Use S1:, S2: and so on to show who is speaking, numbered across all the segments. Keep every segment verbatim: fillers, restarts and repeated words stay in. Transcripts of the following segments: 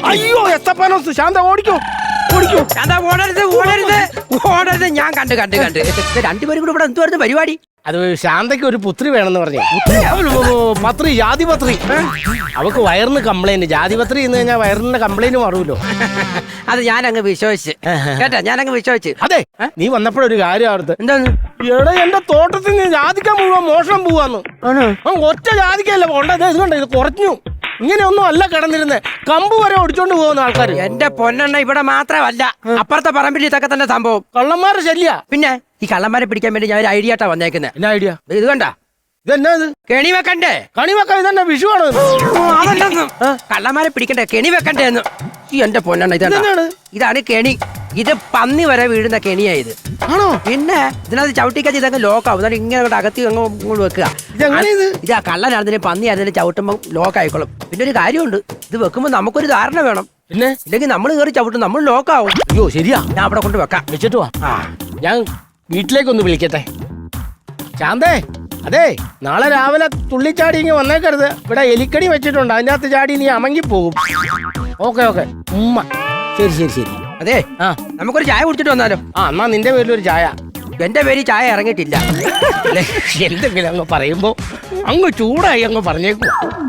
S1: അയ്യോ എത്തപ്പാനോസ് ശാന്ത ഓടിക്കോ ഓടിക്കോ.
S2: ശാന്ത ഓടരുത് ഓടരുത് ഓടരുത്. ഞാൻ കണ്ട് കണ്ട് കണ്ട് രണ്ടുപേരും കൂടെ ഇവിടെ എന്തുവായിരുന്നു പരിപാടി?
S1: അത് ശാന്തയ്ക്ക് ഒരു പുത്രി വേണമെന്ന് പറഞ്ഞു. പത്രി ജാതിപത്രി. അവക്ക് വയറിന് കംപ്ലൈന്റ്. ജാതിപത്രി എന്ന് കഴിഞ്ഞാൽ വയറിന്റെ കംപ്ലൈന്റ് മാറൂല്ലോ.
S2: അത് ഞാനങ്ങ് വിശ്വസിച്ച് കേട്ടാ, ഞാനങ്ങ് വിശ്വസിച്ച്.
S1: അതെ, നീ വന്നപ്പോഴൊരു കാര്യം അവിടുത്തെ
S2: എന്താന്ന്
S1: എടാ എന്റെ തോട്ടത്തിൽ നിന്ന് ജാതിക്കാൻ പോവാൻ മോഷണം പോവാന്ന്. ഒറ്റ ജാതിക്കല്ല പോണ്ടത്. ഇതുകൊണ്ട് ഇത് കുറഞ്ഞു. ഇങ്ങനെയൊന്നും അല്ല കിടന്നിരുന്നേ. കമ്പ് വരെ ഒടിച്ചോണ്ട് പോകുന്ന ആൾക്കാർ.
S2: എന്റെ പൊന്നെണ്ണ ഇവിടെ മാത്രമല്ല, അപ്പുറത്തെ പറമ്പിൽ ഇതൊക്കെ തന്നെ സംഭവം.
S1: കള്ളന്മാരെ ശല്യ.
S2: പിന്നെ ഈ കള്ളന്മാരെ പിടിക്കാൻ വേണ്ടി ഞാൻ ഒരു ഐഡിയ ആട്ടാ വന്നേക്കുന്നത്.
S1: എന്നാ ഐഡിയ?
S2: ഇത് കണ്ട,
S1: ഇതെന്നാ ഇത്?
S2: കെണി വെക്കണ്ടേ?
S1: കണി വെക്കാൻ ഇതന്നെ വിഷു ആണ്.
S2: അതല്ലെന്ന്, കള്ളന്മാരെ പിടിക്കണ്ടേ, കെണി വെക്കണ്ടേ എന്ന്. ഈ എന്റെ പൊന്നെണ്ണ ഇതാണ് ഇതാണ് കെണി. ഇത് പന്നി വരെ വീഴുന്ന കെണിയായത്.
S1: ആണോ?
S2: പിന്നെ ഇതിനകത്ത് ചവിട്ടിക്കച്ച് ഇതങ്ങ് ലോക്കാവും. എന്നാലും ഇങ്ങനെ അങ്ങോട്ട് അകത്തി അങ്ങ് ഇങ്ങോട്ട് വെക്കുക. ഇതാ കള്ളനാണെങ്കിലും പന്നി ആയിരുന്നാലും ചവിട്ടുമ്പോൾ ലോക്ക് ആയിക്കോളും. പിന്നെ ഒരു കാര്യമുണ്ട്, ഇത് വെക്കുമ്പോൾ നമുക്കൊരു ധാരണ വേണം.
S1: പിന്നെ
S2: ഇല്ലെങ്കിൽ നമ്മൾ കയറി ചവിട്ടും, നമ്മൾ ലോക്കാവും.
S1: അയ്യോ ശരിയാ,
S2: ഞാൻ അവിടെ കൊണ്ട് വെക്കാം.
S1: വെച്ചിട്ട് വാ. ഞാൻ വീട്ടിലേക്കൊന്ന് വിളിക്കട്ടെ. ശാന്തേ, അതെ നാളെ രാവിലെ തുള്ളിച്ചാടി ഇങ്ങ് വന്നേക്കരുത്. ഇവിടെ എലിക്കണി വെച്ചിട്ടുണ്ട്, അതിൻ്റെ അകത്ത് ചാടി നീ അമങ്ങി പോകും. ഓക്കെ ഓക്കെ ഉമ്മ. ശരി ശരി ശരി.
S2: അതെ, ആ നമുക്കൊരു ചായ കുടിച്ചിട്ട് വന്നാലോ?
S1: ആ എന്നാ നിന്റെ പേരിലൊരു ചായ.
S2: എന്റെ പേര് ചായ ഇറങ്ങിയിട്ടില്ല.
S1: എന്തെങ്കിലും അങ്ങ് പറയുമ്പോ അങ്ങ് ചൂടായി അങ്ങ് പറഞ്ഞേക്കു.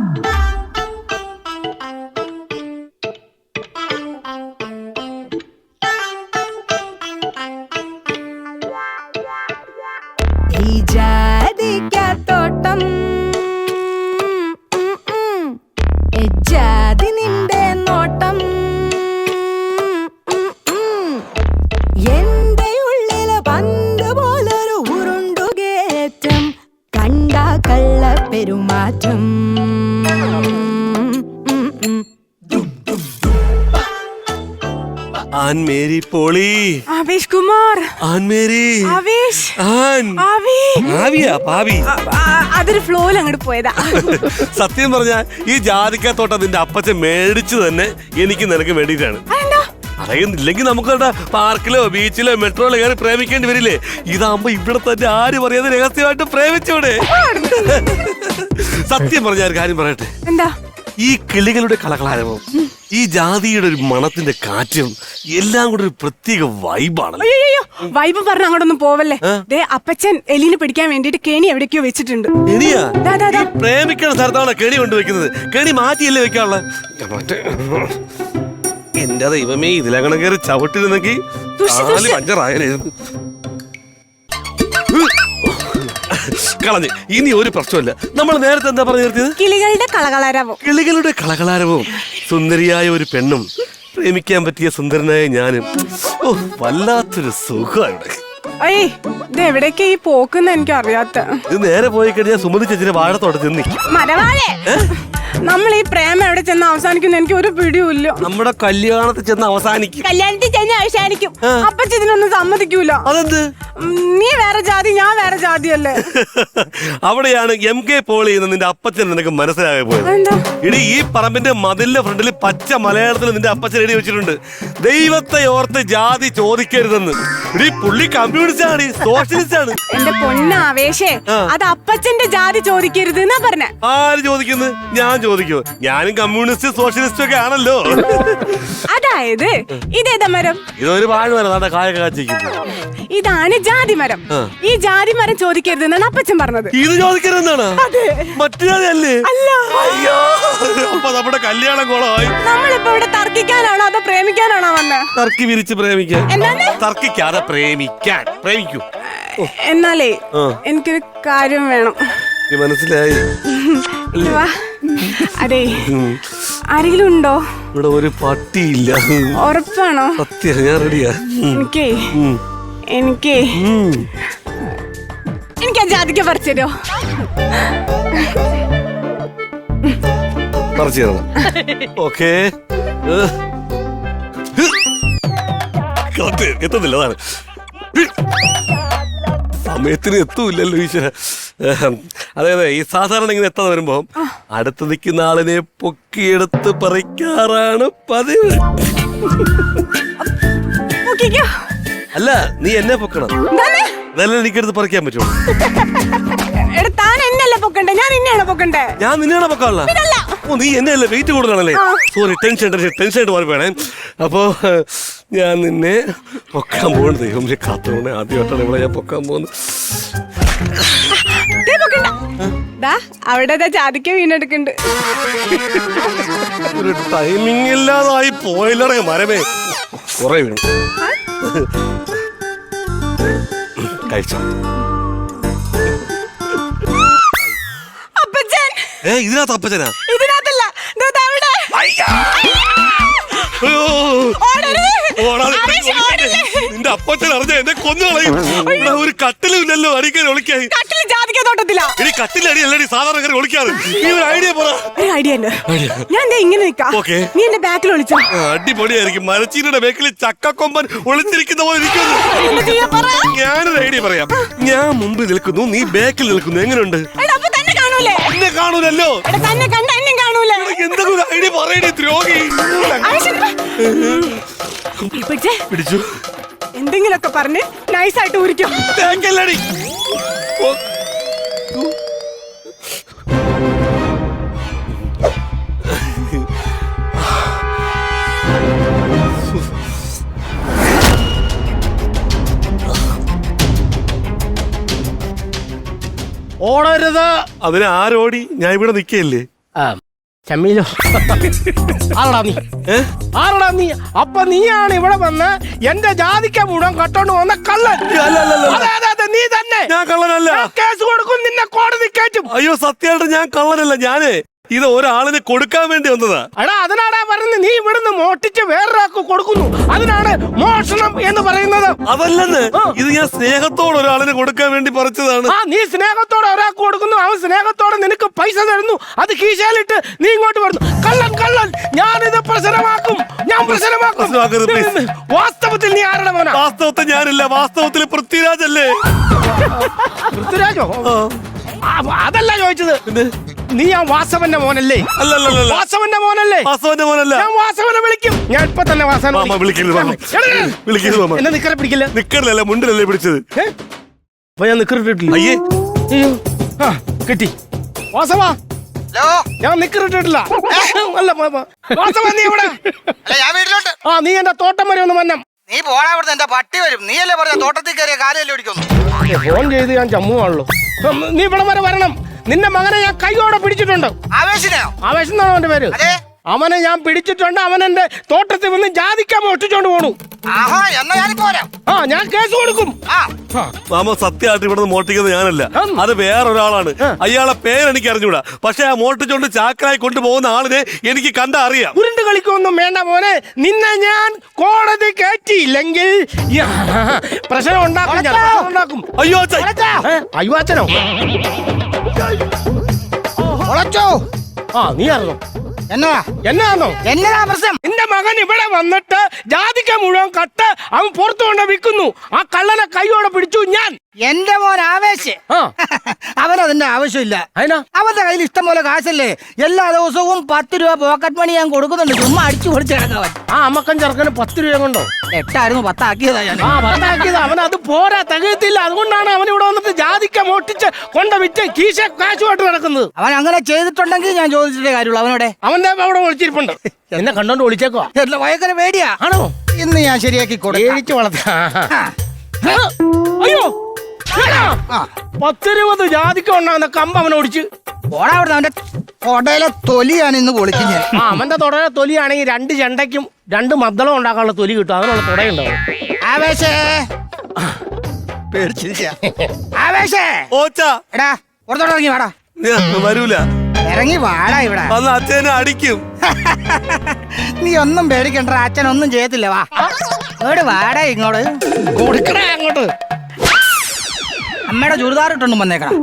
S3: തോട്ടം ജാതി നിന്റെ നോട്ടം എന്റെ ഉള്ളില് പന്ത് പോലൊരു ഉരുണ്ടുകേറ്റം കണ്ട കള്ള പെരുമാറ്റം.
S4: Ann Mary Poly.
S3: Avesh Kumar.
S4: Ann Mary.
S3: Avesh.
S4: Ann.
S3: ആവി.
S4: ആവിയാ പാവി.
S3: അതൊരു ഫ്ലോയിൽ അങ്ങോട്ട് പോയതാ.
S4: സത്യം പറഞ്ഞാ ഈ ജാതിക്കത്തോട്ടം നിന്റെ അപ്പച്ചൻ മേടിച്ചു തന്നെ എനിക്ക് നിനക്ക് വേണ്ടിയിട്ടാണ്. അറിയുന്നില്ലെങ്കിൽ നമുക്ക് പാർക്കിലോ ബീച്ചിലോ മെട്രോയിലോ കയറി പ്രേമിക്കേണ്ടി വരില്ലേ? ഇതാകുമ്പോ ഇവിടെ തന്നെ ആര് പറയാതെ രഹസ്യമായിട്ട് പ്രേമിച്ചൂടെ? സത്യം പറഞ്ഞ ഒരു കാര്യം പറയട്ടെ.
S3: എന്താ?
S4: ഈ കിളികളുടെ കളകളാരവം, ഈ ജാതിയുടെ ഒരു മണത്തിന്റെ കാറ്റും എല്ലാം കൂടെ ഒരു പ്രത്യേക വൈബാണ്.
S3: വൈബ് പറഞ്ഞ അങ്ങോട്ടൊന്നും പോവല്ലേ. ദേ അപ്പച്ചൻ എലിനെ പിടിക്കാൻ വേണ്ടിട്ട് കെണി എവിടേക്കോ വെച്ചിട്ടുണ്ട്.
S4: കെണിയാ? പ്രേമിക്കണ സ്ഥലത്താണ് കെണി കൊണ്ടുവെക്കുന്നത്. കെണി മാറ്റിയല്ലേ വെക്കാനുള്ള. എന്റെ ദൈവമേ, ഇതിലങ്ങനെ കയറി ചവിട്ടിരുന്നെങ്കിൽ പഞ്ചറായാലും കളഞ്ഞ്. ഇനി ഒരു പ്രശ്നമില്ല. നമ്മൾ നേരത്തെ എന്താ പറഞ്ഞു നിർത്തിയത്?
S3: കിളികളുടെ കളകളാരവം.
S4: കിളികളുടെ കളകളാരവും സുന്ദരിയായ ഒരു പെണ്ണും പ്രേമിക്കാൻ പറ്റിയ സുന്ദരനായ ഞാനും. ഓ വല്ലാത്തൊരു സുഖമാണ്.
S3: അയ്യേ, ഇത് എവിടേക്കാ ഈ പോക്കുന്ന എനിക്ക് അറിയാത്ത.
S4: ഇത് നേരെ പോയി കഴിഞ്ഞാൽ സുമതി ചേച്ചിന്റെ വാഴത്തോട്ടത്തിൽ നിന്ന്
S3: മരവാഴേ. നമ്മൾ ഈ പ്രേമം എവിടെ ചെന്ന് അവസാനിക്കുന്ന എനിക്ക് ഒരു പിടിയുമില്ല.
S4: നമ്മുടെ കല്യാണത്തിൽ ചെന്ന് അവസാനിക്കും.
S3: കല്യാണത്തിൽ ചെന്ന് അവസാനിക്കും. അപ്പച്ചൻ ഇതിനൊന്നും സമ്മതിക്കൂല.
S4: അതെന്ത്?
S3: നീ വേറെ ജാതി, ഞാൻ വേറെ ജാതിയല്ലേ.
S4: അവിടെയാണ് എം കെ പോളി എന്ന് നിന്റെ അപ്പച്ചൻ നിനക്ക് മനസ്സിലാകെ പോയത്. ഇനി ഈ പറമ്പിന്റെ മതിലിന്റെ ഫ്രണ്ടിൽ പച്ച മലയാളത്തിൽ നിന്റെ അപ്പച്ചൻ എഴുതി വെച്ചിട്ടുണ്ട്, ദൈവത്തെ ഓർത്ത് ജാതി ചോദിക്കരുതെന്ന്. ഇനി പുള്ളി കമ്മ്യൂണിസ്റ്റ് ആണ്, സോഷ്യലിസ്റ്റ് ആണ്.
S3: എന്റെ പൊന്നാവേശേ, അത് അപ്പച്ചന്റെ ജാതി ചോദിക്കരുത് എന്നാ പറഞ്ഞ.
S4: ആര് ചോദിക്കുന്നു? ഞാൻ ചോദിക്കോ? ഞാനും കമ്മ്യൂണിസ്റ്റ് സോഷ്യലിസ്റ്റ് ഒക്കെ ആണല്ലോ.
S3: അതായത് ഇതേതാ മരം?
S4: ഇതൊരു വാഴമരം, കായ കാച്ചിരിക്കുന്നു.
S3: ഇതാണ് ജാതി മരം. ഈ ജാതി മരം ചോദിക്കരുത് എന്നാണ് അപ്പച്ചൻ പറഞ്ഞത്.
S4: ഇത് ചോദിക്കരുതെന്നാണ്? മറ്റു ജാതി അല്ലേ? അല്ല. അയ്യോ, അപ്പൊ നമ്മുടെ കല്യാണം കോളമായി.
S3: നമ്മളിപ്പോ ഇവിടെ തർക്കിക്കാനാണോ അതോ പ്രേമിക്കാനാണോ വന്നെ?
S4: തർക്കി വിരിച്ച് പ്രേമിക്കാൻ.
S3: എന്താണ്?
S4: തർക്കിക്കാതെ പ്രേമിക്കാൻ. പ്രേമിക്കൂ.
S3: എന്നാലേ എനിക്കൊരു കാര്യം വേണം.
S4: മനസ്സിലായി.
S3: അതെ, ആരെങ്കിലും ഉണ്ടോ?
S4: ഇവിടെ ഒരു പട്ടിയില്ല.
S3: ഉറപ്പാണോ?
S4: സത്യം, ഞാൻ റെഡിയാ.
S3: എനിക്കേ എനിക്കേ എനിക്ക് ആ ജാതിക്ക പറിച്ചോ.
S4: പറിച്ചു തരണം. ഓക്കേ. എത്തുന്നില്ല, അതാണ് സമയത്തിന് എത്തൂല്ലല്ലോ ഈശ്വര. അതെ അതെ, ഈ സാധാരണ ഇങ്ങനെ എത്താതെ വരുമ്പോ അടുത്ത് നിൽക്കുന്ന ആളിനെ പൊക്കിയെടുത്ത് പറിക്കാറാണ് പതിവ്. അല്ല, നീ എന്നെ പൊക്കണം, അതല്ലേ എനിക്കെടുത്ത് പറിക്കാൻ പറ്റുള്ളൂ.
S3: താൻ എന്നല്ല പൊക്കണ്ടേ, ഞാൻ നിന്നെയാണ് പൊക്കണ്ടേ.
S4: ഞാൻ നിന്നെയാണ് പൊക്കാനുള്ള. ഓ നീ എന്നെ അല്ലേ വെയിറ്റ് കൂടുതലാണല്ലേ സോറി ടെൻഷൻ ടെൻഷൻ ടെൻഷൻ ആയിട്ട് മാറി വേണേ അപ്പോ ഞാൻ നിന്നെ പൊക്കാൻ പോകുന്നു ദൈവം കാത്തോണേ ആദ്യമായിട്ടാണ് ഇവിടെ ഞാൻ പൊക്കാൻ പോകുന്നത്
S3: അവിടെ ജാതിക്ക വീണെടുക്കുന്നുണ്ട്.
S4: ഒരു ടൈമിംഗ് ഇല്ലാതായി പോയില്ലടേ മരമേ കുറെ വീണു കഴിച്ചോ. ഏ ഇതിനകത്ത് അപ്പച്ചനാ
S3: ഇതിനകത്തല്ല
S4: നിന്റെ അപ്പച്ചൻ അറിഞ്ഞ എന്നെ കൊന്നുകളയും. ഒരു കട്ടിലും ഇല്ലല്ലോ അടിക്കാൻ ഒളിക്കായി. ഇനി കട്ടിലടി അല്ലടി സാധാരണ കയറി ഒളിക്കാറ്. നീ ഒരു ഐഡിയ പറ.
S3: ഒരു ഐഡിയ ഞാൻ ഇങ്ങനെ നിക്കാം. നീ എന്റെ ബാക്കിൽ ഒളിച്ചോ.
S4: അടിപൊളിയായിരിക്കും. മരച്ചീനിയുടെ ബാക്കിൽ ചക്കക്കൊമ്പൻ ഒളിച്ചിരിക്കുന്ന പോലെ ഇരിക്കുന്നു. ഞാനൊരു ഐഡിയ പറയാം. ഞാൻ മുമ്പിൽ നിൽക്കുന്നു, നീ ബാക്കിൽ നിൽക്കുന്നു. എങ്ങനെയുണ്ട്? എന്നെ കാണൂലല്ലോ. എന്തെങ്കിലും ഐഡിയ പറയണേ ദ്രോഹി. പിടിച്ചു
S3: എന്തെങ്കിലുമൊക്കെ പറഞ്ഞ് നൈസായിട്ട് ഊരിക്കോ.
S4: തേങ്ങല്ലടി.
S1: ഓടരുത്.
S4: അതിന് ആരോടി? ഞാൻ ഇവിടെ നിക്കല്ലേ.
S1: ആ ചമ്മീലോ ആരടാ നീ? ആരടാ നീ? അപ്പൊ നീയാണ് ഇവിടെ വന്ന് എന്റെ ജാതിക്ക മുഴുവൻ കട്ടോണ്ട് വന്ന കള്ളൻ. നീ തന്നെ.
S4: ഞാൻ കള്ളനല്ല.
S1: കേസ് കൊടുക്കും, നിന്നെ കോടതി കയറ്റും.
S4: അയ്യോ സത്യമായിട്ട് ഞാൻ കള്ളനല്ല. ഞാനേ ഇത് ഒരാളിന് കൊടുക്കാൻ വേണ്ടി വന്നതാ.
S1: എടാ അതിനാടാ പറയുന്നത് നീ ഇവിടുന്ന് മോട്ടിച്ച് വേറൊരാൾക്ക് കൊടുക്കുന്നു, അതിനാണ് മോഷണം എന്ന് പറയുന്നത്.
S4: അതല്ലെന്ന്, ഇത് ഞാൻ സ്നേഹത്തോടെ ഒരാളിന് കൊടുക്കാൻ വേണ്ടി പറിച്ചതാണ്.
S1: ആ നീ സ്നേഹത്തോടെ ഒരാൾക്ക് കൊടുക്കുന്നു, അവൻ സ്നേഹത്തോടെ നിനക്ക് പൈസ തരുന്നു, അത് കീശയിലിട്ട് നീ ഇങ്ങോട്ട് വരുന്നു. കള്ളൻ കള്ളൻ. ഞാനിത് പ്രശ്നമാക്കും, ഞാൻ പ്രശ്നമാക്കും. വാസ്തവത്തിൽ നീ ആരുടെ മോനാ?
S4: വാസ്തവത്തിൽ ഞാനില്ല, വാസ്തവത്തിൽ പൃഥ്വിരാജല്ലേ.
S1: പൃഥ്വിരാജോ? അതല്ല ചോദിച്ചത്. നീ ആ വാസവന്റെ മോനല്ലേ?
S4: അല്ലല്ല
S1: വാസവന്റെ മോനല്ലേ?
S4: വാസവന്റെ മോനല്ല.
S1: ഞാൻ വാസവനെ വിളിക്കും. ഞാൻ ഇപ്പൊ തന്നെ വാസവനെ എന്നെ നിക്കറെ പിടിക്കില്ല.
S4: നിക്കറിലല്ല മുണ്ടിലല്ലേ പിടിച്ചത്.
S1: അപ്പൊ ഞാൻ നിക്കറിട്ടിട്ടില്ല.
S4: അയ്യേ
S1: ആ കിട്ടി. വാസവാ ഞാൻ നിക്കറിട്ടിട്ടില്ല. അല്ല വാസവ നീ ഇവിടെ. ആ നീ എന്റെ തോട്ടം വരെ ഒന്ന് മന്നം.
S5: നീ പോടാ അവിടുന്ന്, എന്റെ പട്ടി വരും. നീയല്ലേ പറഞ്ഞ തോട്ടത്തിൽ കയറിയ കാലല്ലേ ഓടിക്കുന്നു.
S1: ഫോൺ ചെയ്ത് ഞാൻ ജമ്മുവാണല്ലോ. നീ ഇവിടെ വരെ വരണം. നിന്റെ മകനെ ഞാൻ കൈയോടെ പിടിച്ചിട്ടുണ്ട്.
S5: ആവേശിനെയോ?
S1: ആവേശം എന്നാണോ അവന്റെ പേര്? അവനെ ഞാൻ പിടിച്ചിട്ടുണ്ട്. അവൻ എന്റെ തോട്ടത്തിൽ വന്ന് ജാതിക്ക മോഷ്ടിച്ചോണ്ട് പോണു.
S5: ആഹാ എന്നാ ഞാനിപ്പോ വരാം.
S1: ആ ഞാൻ കേസ് കൊടുക്കും.
S4: മാമ സത്യമായിട്ട് ഇവിടെ മോഷ്ടിക്കുന്നത് ഞാനല്ല, അത് വേറൊരാളാണ്. അയാളെ പേരെനിക്ക് അറിഞ്ഞൂടാ. പക്ഷെ ആ മോഷ്ടിച്ചോണ്ട് ചാക്കരായി കൊണ്ടുപോകുന്ന ആളിനെ എനിക്ക് കണ്ട അറിയാം.
S1: ഉരുണ്ട് കളിക്കൊന്നും വേണ്ട മോനെ. നിന്നെ ഞാൻ കോടതി കയറ്റിയില്ലെങ്കിൽ പ്രശ്നം ഉണ്ടാക്കും. ഞാൻ പ്രശ്നം ഉണ്ടാക്കും.
S4: അയ്യോ അച്ഛൻ.
S1: അയ്യോ അച്ഛനോ?
S5: ഒളച്ചോ?
S1: ആ നീ അറിഞ്ഞോ?
S5: എന്നതാ
S1: എന്നാന്നോ?
S5: എന്നതാ പ്രശ്നം?
S1: നിന്റെ മകൻ ഇവിടെ വന്നിട്ട് ജാതിക്ക മുഴുവൻ കട്ട് അവൻ പുറത്തു കൊണ്ട് വിൽക്കുന്നു. ആ കള്ളനെ കൈയോടെ പിടിച്ചു ഞാൻ.
S5: എന്റെ മോൻ ആവേശ് അവനതിന്റെ ആവശ്യമില്ല. അവന്റെ കയ്യിൽ ഇഷ്ടം പോലെ കാശല്ലേ. എല്ലാ ദിവസവും പത്ത് രൂപ പോക്കറ്റ് മണി ഞാൻ കൊടുക്കുന്നുണ്ട്. ചുമ്മാ അടിച്ചു പൊളിച്ച് കിടക്കാൻ.
S1: ആ അമ്മക്കൻ ചെറുക്കന് പത്ത് രൂപ കൊണ്ടോ?
S5: എട്ടായിരുന്നു, പത്താക്കിയതാ ഞാൻ.
S1: ആ പത്താക്കിയത്. അവൻ അത് പോരാ, തികയത്തില്ല. അതുകൊണ്ടാണ് അവൻ ഇവിടെ വന്നിട്ട് ജാതിക്ക മോട്ടിച്ച് കൊണ്ട് വിറ്റ് കീശ കാശുമായിട്ട് നടക്കുന്നത്.
S5: അവൻ അങ്ങനെ ചെയ്തിട്ടുണ്ടെങ്കിൽ ഞാൻ ചോദിച്ചിട്ടേ കാര്യമുള്ളൂ. അവനോടെ
S1: അവന്റെ അവിടെ ഒളിച്ചിരിപ്പുണ്ട്. എന്നെ കണ്ടോണ്ട് വിളിച്ചേക്കോ?
S5: എല്ലാം ഭയങ്കര പേടിയാ.
S1: ആണോ?
S5: ഇന്ന് ഞാൻ ശരിയാക്കി
S1: കൊടുത്തു വളർത്താ. അയ്യോ പത്തിരുപത് ജാതിക്ക ഉണ്ടാകുന്ന കമ്പ് അവൻ ഓടിച്ച്
S5: ഓടാ. അവിടെ അവന്റെ തൊടയിലെ തൊലിയാണ് ഇന്ന് പൊളിക്കും ഞാൻ.
S1: ആ അവന്റെ തൊടയിലെ തൊലിയാണെങ്കിൽ രണ്ട് ചെണ്ടയ്ക്കും രണ്ട് മദ്ദളം ഉണ്ടാക്കാനുള്ള തൊലി കിട്ടും. അതിനുള്ള തുടയുണ്ടാവും.
S5: ആവേശേ പേടിച്ചിരിക്ക. ആവേശേ
S4: ഓച്ചാ
S5: എടാ പുറത്തോട്ട് ഇറങ്ങി വാടാ.
S4: വരൂല.
S5: ഇറങ്ങി വാടാ. ഇവിടെ
S4: വന്ന് അച്ഛനെ അടിക്കും.
S5: നീ ഒന്നും പേടിക്കണ്ട, അച്ഛൻ ഒന്നും ചെയ്യത്തില്ല. വാ ഇവിടെ വാടാ. ഇങ്ങോട്ട്
S1: കൊടുക്കണേ അങ്ങോട്ട്.
S5: അമ്മയുടെ ചുരിദാർ ഇട്ടൊന്നും വന്നേക്കണം.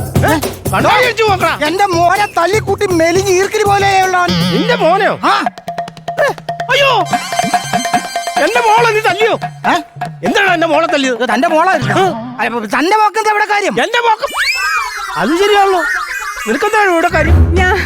S1: എന്റെ
S5: മോനെ തല്ലിക്കൂട്ടി മെലിഞ്ഞ് ഈർക്കിരി പോലെയുള്ള.
S1: നിന്റെ മോനെയോ? അയ്യോ എന്റെ മോളെ നീ തല്ലിയോ? എന്താണ് എന്റെ മോളെ തല്ലിയത്?
S5: തന്റെ മോളെ തന്റെ മോക്കെന്താ ഇവിടെ കാര്യം?
S1: എന്റെ മോക്കം അത് ശരിയാണല്ലോ. നിനക്കെന്താണ് ഇവിടെ കാര്യം?
S4: ഞാൻ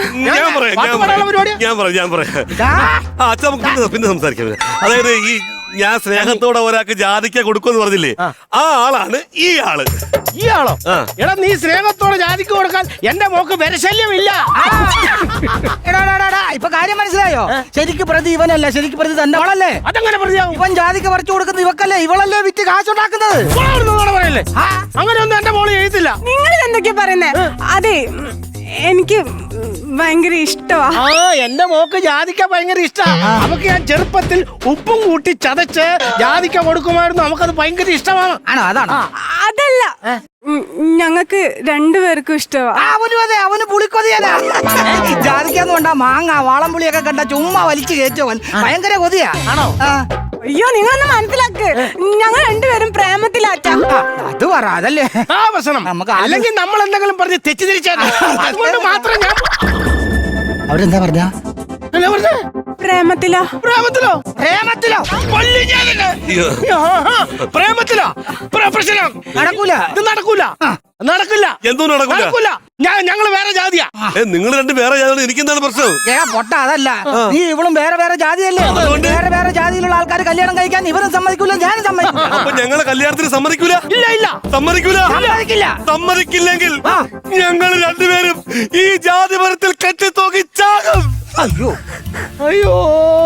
S4: പറയാം ഞാൻ പറയാം ഞാൻ പറയാം. അച്ഛൻ നമുക്ക് പിന്നെ സംസാരിക്കാം. അതായത് ഈ ഞാൻ സ്നേഹത്തോടെ ഒരാൾക്ക് ജാതിക്ക കൊടുക്കുമെന്ന് പറഞ്ഞില്ലേ, ആ ആളാണ് ഈ ആള്.
S1: ഈ ആളോ? എടാ നീ സ്നേഹത്തോടെ ജാതിക്ക് കൊടുക്കാൻ എന്റെ മോക്ക് വിരശല്യമില്ല.
S5: എടാ, എടാ, എടാ, എടാ, ഇപ്പൊ കാര്യം മനസ്സിലായോ? ശരിക്ക് പ്രതി ഇവനല്ല, ശരിക്ക് പ്രതി തന്നെ അവളല്ലേ.
S1: അതെങ്ങനെ പ്രതിയാവും?
S5: ഇവൻ ജാതിക്ക് പറിച്ചു കൊടുക്കുന്ന ഇവക്കല്ലേ, ഇവളല്ലേ വിറ്റ് കാശുണ്ടാക്കുന്നത്.
S1: പറയല്ലേ? അങ്ങനെയൊന്നും എന്റെ മോള് ചെയ്തില്ല.
S3: നിങ്ങൾ എന്തൊക്കെയാ പറയുന്നേ? അതെ, എനിക്ക് ഭയങ്കര ഇഷ്ടമാ.
S1: ആ എന്റെ മോക്ക് ജാതിക്ക ഭയങ്കര ഇഷ്ടാ. നമുക്ക് ഞാൻ ചെറുപ്പത്തിൽ ഉപ്പും കൂട്ടി ചതച്ച് ജാതിക്ക കൊടുക്കുമായിരുന്നു. നമുക്കത് ഭയങ്കര ഇഷ്ടമാണ്.
S5: ആണോ? അതാണ്.
S3: അതല്ല, ഞങ്ങൾക്ക് രണ്ടുപേർക്കും ഇഷ്ടമാ.
S5: അവനും അതെ, അവന് പുളിക്കൊതിയല്ല. ജാതിക്കാന്ന് കൊണ്ടാ മാങ്ങ വാളംപുളിയൊക്കെ കണ്ട ചുമ്മാ വലിച്ചു കയറ്റവൻ ഭയങ്കര കൊതിയാ.
S1: ആണോ?
S3: അയ്യോ, നിങ്ങളൊന്ന് മനസ്സിലാക്ക്, ഞങ്ങൾ രണ്ടുപേരും പ്രേമത്തിലാറ്റാ.
S5: അത് പറ, അതല്ലേ
S1: ആ പ്രശ്നം.
S5: നമുക്ക്
S1: അല്ലെങ്കിൽ നമ്മൾ എന്തെങ്കിലും പറഞ്ഞ് തെറ്റിദ്ധരിച്ചാൽ അതുകൊണ്ട് മാത്രം ഞാൻ
S5: അവരെന്താ പറഞ്ഞ
S1: എന്നാ പറഞ്ഞേ?
S3: പ്രേമത്തിലാ.
S1: പ്രേമത്തിലോ?
S5: പ്രേമത്തിലോ?
S1: കൊല്ലും ഞാൻ നിന്നെ. ആഹാ, പ്രേമത്തിലോ? പ്ര- പ്രശ്നം
S5: നടക്കൂല.
S1: ഇത് നടക്കൂല, നടക്കില്ല.
S4: എന്തോ നടക്കൂല.
S1: നടക്കൂല. ഞാൻ ഞങ്ങള് വേറെ ജാതിയാ.
S4: നിങ്ങൾ രണ്ട് വേറെ ജാതി, എനിക്കെന്താണ് പ്രശ്നം?
S5: ഏ പൊട്ട, അതല്ല, നീ ഇവളും വേറെ വേറെ ജാതിയല്ലേ. വേറെ വേറെ ജാതിയിലുള്ള ആൾക്കാർ കല്യാണം കഴിക്കാൻ ഇവരും സമ്മതിക്കൂല, ഞാനും സമ്മതിക്കില്ല.
S4: അപ്പൊ ഞങ്ങളെ കല്യാണത്തിന് സമ്മതിക്കൂല?
S1: ഇല്ല ഇല്ല
S4: സമ്മതിക്കൂല.
S5: സമ്മതിക്കില്ല.
S4: സമ്മതിക്കില്ലെങ്കിൽ ഞങ്ങൾ രണ്ടുപേരും ഈ ജാതി മരത്തിൽ കെട്ടിത്തോക്കി ചാകും.
S5: അയ്യോ
S1: അയ്യോ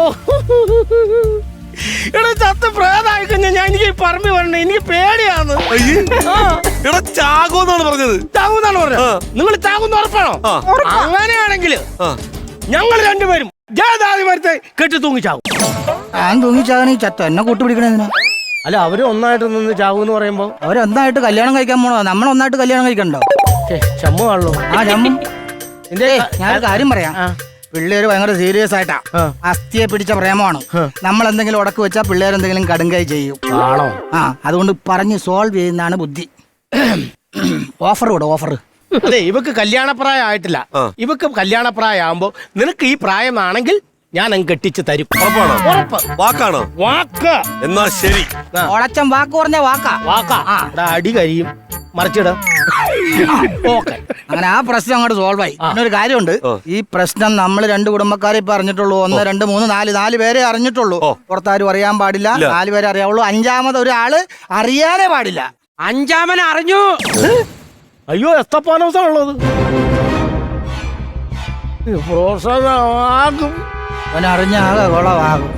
S1: എടാ ചത്ത് പ്രേതായി കഴിഞ്ഞാൽ ഞാൻ എനിക്ക് ഈ പറമ്പി വരണേ, എനിക്ക് പേടിയാണ്.
S4: അയ്യേ. എടാ ചാകുമെന്നാണ് പറഞ്ഞത്.
S1: ചാകുന്നാണ് പറഞ്ഞത്. നിങ്ങൾ ചാകുന്ന ഉറപ്പാണോ? അങ്ങനെയാണെങ്കിൽ ഞങ്ങൾ രണ്ടുപേരും ജാതി മരത്തെ കെട്ടി തൂങ്ങി ചാകും.
S5: ഞാൻ തൂങ്ങിച്ചാകണ ഈ ചത്ത എന്നെ കൂട്ടുപിടിക്കണേതിനാ?
S1: അല്ല, അവര് ഒന്നായിട്ട് നിന്ന് ചാകും എന്ന് പറയുമ്പോ
S5: അവരൊന്നായിട്ട് കല്യാണം കഴിക്കാൻ പോണോ? നമ്മളൊന്നായിട്ട് കല്യാണം കഴിക്കണ്ടോ?
S1: ചമ്മുവാണല്ലോ.
S5: ആ ചമ്മും.
S1: എന്തേ
S5: ഞാനൊരു കാര്യം പറയാം. പിള്ളേര് ഭയങ്കര സീരിയസ് ആയിട്ടാ, അസ്ഥിയെ പിടിച്ച പ്രേമമാണ്. നമ്മൾ എന്തെങ്കിലും ഉടക്ക് വെച്ചാൽ പിള്ളേർ എന്തെങ്കിലും കടുങ്കൈ ചെയ്യും.
S1: ആണോ?
S5: ആ അതുകൊണ്ട് പറഞ്ഞ് സോൾവ് ചെയ്യുന്നതാണ് ബുദ്ധി. ഓഫർ കൂടെ ഓഫർ.
S1: അതെ, ഇവക്ക് കല്യാണപ്രായം ആയിട്ടില്ല. ഇവക്ക് കല്യാണപ്രായം ആകുമ്പോ നിനക്ക് ഈ പ്രായമാണെങ്കിൽ ഞാൻ അങ്ങ് കെട്ടിച്ച് തരും.
S4: ഉറപ്പാണോ?
S1: ഉറപ്പ്.
S4: വാക്കാണോ?
S1: വാക്ക്.
S4: എന്നാ ശരി.
S5: ഓളച്ചൻ വാക്ക് പറഞ്ഞ വാക്കാ.
S1: വാക്കാ. എടാ, അടി കരിയും. മറിച്ചിട. ഓക്കെ,
S5: അങ്ങനെ ആ പ്രശ്നം അങ്ങോട്ട് സോൾവ് ആയി. പിന്നെ ഒരു കാര്യമുണ്ട്, ഈ പ്രശ്നം നമ്മൾ രണ്ട് കുടുംബക്കാരെ ഇപ്പൊ അറിഞ്ഞിട്ടുള്ളൂ. ഒന്ന് രണ്ട് മൂന്ന് നാല് നാല് പേരെ അറിഞ്ഞിട്ടുള്ളൂ. പുറത്താരും അറിയാൻ പാടില്ല. നാല് പേരെ അറിയാവുള്ളൂ. അഞ്ചാമത് ഒരാള് അറിയാനേ പാടില്ല.
S2: അഞ്ചാമൻ അറിഞ്ഞു.
S1: അയ്യോ, എസ്തപ്പാനോസാണുള്ളത്. പ്രോത്സാഹനമാകും.
S5: അവനറിഞ്ഞ ആകെ കുളമാകും.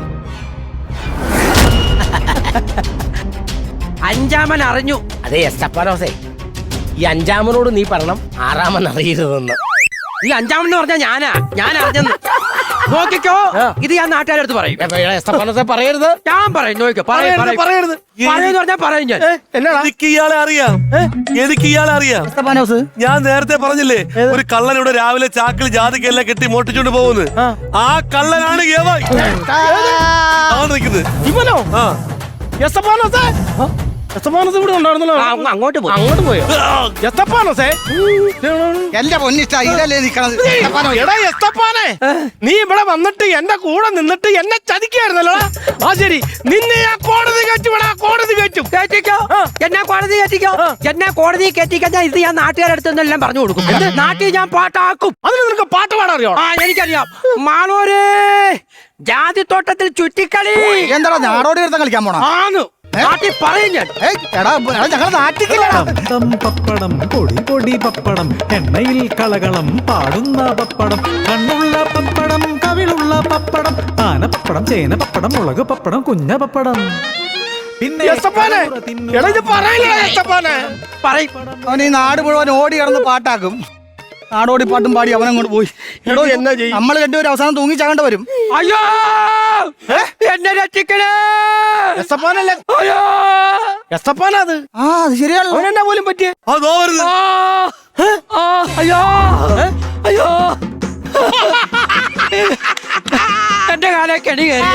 S2: അഞ്ചാമൻ അറിഞ്ഞു.
S1: അതെ എസ്തപ്പാനോസേ, ഈ അഞ്ചാമനോട് നീ പറയണം ആറാമൻ അറിയരുതെന്ന്.
S2: ഈ അഞ്ചാമെന്ന് പറഞ്ഞാ ഞാനാ, ഞാൻ അറിഞ്ഞെന്ന്. നോക്കിക്കോ, ഇത് ഞാൻ നാട്ടുകാരെടുത്ത് പറയും.
S1: എസ്തപ്പാനോസേ പറയരുത്.
S2: ഞാൻ പറയും. നോക്കിക്കോ, പറയും പറയും.
S1: പറയരുത്.
S2: പറയുന്ന പറഞ്ഞാ പറയും ഞാൻ.
S1: എന്നാ
S4: എനിക്ക് ഇയാളെ അറിയാം. എനിക്ക് ഇയാളെ അറിയാം.
S5: എസ്തപ്പാനോസ്,
S4: ഞാൻ നേരത്തെ പറഞ്ഞില്ലേ, ഒരു കള്ളൻ ഇവിടെ രാവിലെ ചാക്കിൽ ജാതിക്കെല്ലാം കെട്ടി മോട്ടിച്ചോണ്ട് പോകുന്നു. ആ കള്ളനാണ് യവൻ. ആണ് നിൽക്കുന്നത്.
S1: ഇവനോ?
S4: ആ
S1: എസ്തപ്പാനോസേ, എസ്തപ്പാനോസ് ഇവിടെ ഉണ്ടായിരുന്നല്ലോ.
S2: അങ്ങോട്ട് പോയി.
S1: അങ്ങോട്ട് പോയോ? എസ്തപ്പാനോസേ,
S5: എന്റെ പൊന്നിഷ്ട ഇതല്ലേ നിക്കണത്.
S1: എടാ എസ്തപ്പാനെ, നീ ഇവിടെ വന്നിട്ട് എന്റെ കൂടെ നിന്നിട്ട് എന്നെ ചതിക്കായിരുന്നല്ലോ. ആ ശരി, നിന്നെ ആ കോടതി കയറ്റുവിടാ. കോടതി കയറ്റും.
S2: കേറ്റിക്കോ, എന്നെ കോടതി കയറ്റിക്കോ. എന്നെ കോടതി കയറ്റിക്കഴിഞ്ഞാൽ ഇത് ഞാൻ നാട്ടുകാരെടുത്തെന്നെല്ലാം പറഞ്ഞു കൊടുക്കും. നാട്ടിൽ ഞാൻ പാട്ടാക്കും.
S1: അതിന് നിനക്ക് പാട്ട് പാടാൻ അറിയോ?
S2: ആ എനിക്കറിയാം. മാളൂര് ജാതിത്തോട്ടത്തിൽ ചുറ്റിക്കളി.
S5: എന്താ ഞാടോടി എടുത്ത കളിക്കാൻ പോണോ?
S2: ആന്ന് നാട്ടിൽ പറയും ഞാൻ.
S5: എടാ ഞങ്ങൾ നാട്ടിക്കില്ലടാ.
S6: പപ്പടം പപ്പടം പൊടി പൊടി പപ്പടം എണ്ണയിൽ കളകളം പാടുന്ന പപ്പടം കണ്ണുള്ള പപ്പടം കവിളുള്ള പപ്പടം ആനപ്പപ്പടം ചേന പപ്പടം മുളക് പപ്പടം കുഞ്ഞ പപ്പടം പിന്നെ
S1: എസ്തപ്പാനെ, എടാ ഇത് പറയില്ല എസ്തപ്പാനെ.
S2: പറയും.
S5: അവൻ ഈ നാട് മുഴുവൻ ഓടി കിടന്ന് പാട്ടാക്കും. നാടോടി പാട്ടും പാടി അവനങ്ങോട്ട് പോയി. എടോ
S1: എന്നാ ചെയ്യും?
S5: നമ്മൾ രണ്ടുപേരും അവസാനം തൂങ്ങി ചാകേണ്ട വരും.
S2: അയ്യോ, എന്നെ രക്ഷിക്കണേ.
S1: എസ്തപ്പാനല്ലേ?
S2: അയ്യോ,
S1: എസ്തപ്പാനാ അത്?
S5: ആ അത് ശരിയാണല്ലോ.
S1: അവനെന്നാ പോലും പറ്റിയ?
S4: അതോ വരുന്നു.
S2: ആ, അയ്യോ, അയ്യോ, എന്റെ കാലെ കെണി കയറി.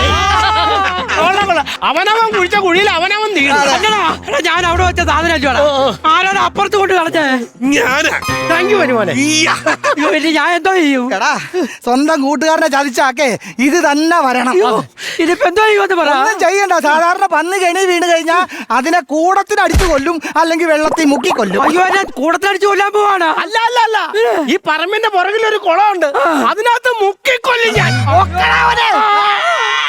S1: അവനവൻ കുഴിച്ച കുഴിയിൽ അവനവൻ
S2: അല്ലടാ, എടാ, ഞാൻ അവിടെ വെച്ച സാധനം ആരാണ് അപ്പുറത്ത് കൊണ്ട് കളഞ്ഞേ?
S4: ഞാനാ.
S1: താങ്ക് യു മോനെ.
S2: അയ്യോ, ഇനി ഞാൻ എന്തോ ചെയ്യും?
S5: എടാ സ്വന്തം കൂട്ടുകാരനെ ചതിച്ചാക്കേ ഇത് തന്നെ വരണം.
S2: ഇതിപ്പോ എന്തോ ചെയ്യുമെന്ന് പറ.
S5: ഒന്നും ചെയ്യണ്ട. സാധാരണ പന്ന് കെണി വീണ് കഴിഞ്ഞാൽ അതിനെ കൂടത്തിന് അടിച്ചു കൊല്ലും, അല്ലെങ്കിൽ വെള്ളത്തിൽ മുക്കി കൊല്ലും.
S2: അയ്യോ, എന്നെ കൂടത്തടിച്ചു കൊല്ലാൻ പോവാണ്.
S1: അല്ല അല്ല അല്ല, ഈ പറമ്പിന്റെ പുറകിൽ ഒരു കുളമുണ്ട്, അതിനകത്ത് മുക്കിക്കൊല്ലും ഞാൻ.
S5: ഒക്കടാ അവനെ.